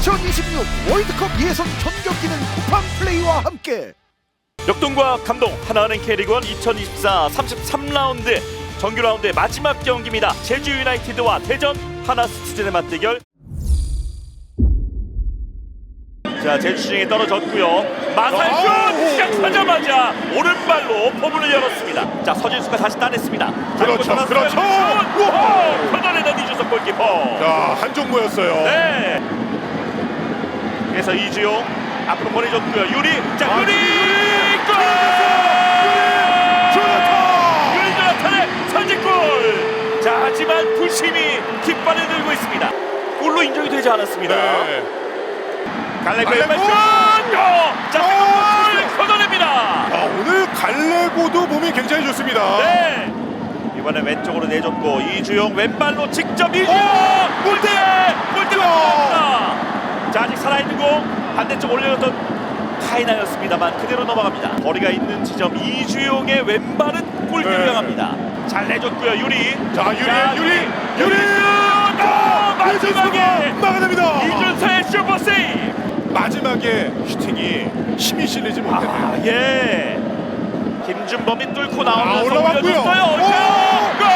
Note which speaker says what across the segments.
Speaker 1: 2026 월드컵 예선 전 경기는 쿠팡 플레이와 함께
Speaker 2: 역동과 감동 하나은행 K리그1 2024 33라운드 정규 라운드의 마지막 경기입니다. 제주 유나이티드와 대전 하나스티즌의 맞대결. 자, 제주시장에 떨어졌고요. 마살슛 시작하자마자 오른발로 포문을 열었습니다. 자, 서진수가 다시 따냈습니다.
Speaker 3: 그렇죠.
Speaker 2: 커널에는 이주석 골키퍼.
Speaker 3: 자, 한종무였어요.
Speaker 2: 네. 그래서 이주용 앞으로 보내줬고요. 유리. 자, 유리 골! 유리 조나탄의 선제골. 자, 하지만 부심이 깃발을 들고 있습니다. 골로 인정이 되지 않았습니다.
Speaker 3: 네.
Speaker 2: 갈레고의 왼발슛! 자, 골! 걷어냅니다.
Speaker 3: 아, 오늘 갈레고도 몸이 굉장히 좋습니다.
Speaker 2: 네. 이번엔 왼쪽으로 내줬고 이주용 왼발로 직접 이주용! 골대! 골대가 들어갑니다. 자, 아직 살아있는 공 반대쪽 올려줬던 카이나였습니다.만 그대로 넘어갑니다. 거리가 있는 지점 이주용의 왼발은 골대로
Speaker 3: 네.
Speaker 2: 향합니다. 잘 내줬고요. 유리.
Speaker 3: 자, 유리.
Speaker 2: 마지막에
Speaker 3: 막아냅니다.
Speaker 2: 이준서의 슈퍼 세이브. 마지막에
Speaker 3: 슈팅이 힘이 실리지 못했네요.
Speaker 2: 예. 김준범이 뚫고 나오면서
Speaker 3: 올라왔고요.
Speaker 2: 올려줬어요. 골!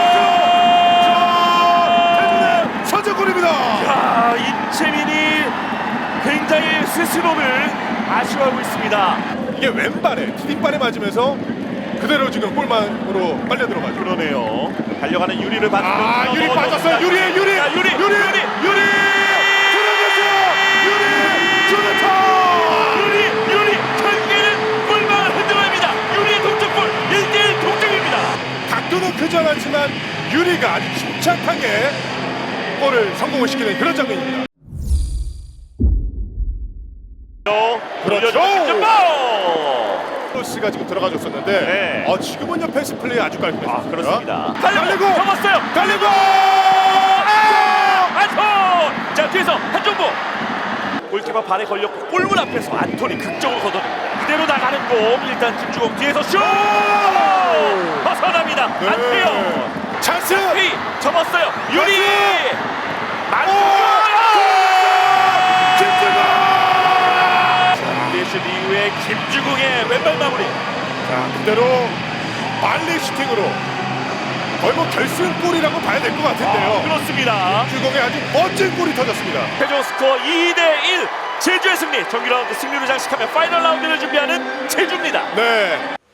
Speaker 3: 대전의 선제골입니다.
Speaker 2: 야, 임채민이 굉장히 스스로를 아쉬워하고 있습니다.
Speaker 3: 이게 왼발에 디딤발에 맞으면서 그대로 지금 골망으로 빨려 들어가죠.
Speaker 2: 그러네요. 달려가는 유리를 받으면서
Speaker 3: 유리 빠졌어요. 유리.
Speaker 2: 자, 유리. 유리 경기는 골망을 흔들어냅니다. 유리의 동점골 1대1 동점입니다.
Speaker 3: 각도는 크지 않았지만 유리가 아주 침착하게 골을 성공을 시키는 그런 장면입니다. 그렇죠. 크로스가 지금 들어가줬었는데
Speaker 2: 네.
Speaker 3: 지금은요 패스 플레이 아주 깔끔했습니다.
Speaker 2: 그렇습니다.
Speaker 3: 달리고
Speaker 2: 잡았어요.
Speaker 3: 달리고
Speaker 2: 안톤! 자, 뒤에서 한종보 골키퍼 발에 걸렸고 골문 앞에서 안톤이 극적으로 걷어냅니다. 그대로 나가는 공. 일단 김주공 뒤에서 슛! 벗어납니다. 안태영
Speaker 3: 찬스
Speaker 2: 피 접었어요. 유리 슛 이후에 김주공의 왼발 마무리.
Speaker 3: 자, 그대로 발리 슈팅으로 거의 뭐 결승골이라고 봐야 될 것 같은데요.
Speaker 2: 그렇습니다.
Speaker 3: 주공의 아주 멋진 골이 터졌습니다.
Speaker 2: 최종 스코어 2대1 제주의 승리. 정규 라운드 승리를 장식하며 파이널 라운드를 준비하는 제주입니다.
Speaker 3: 네.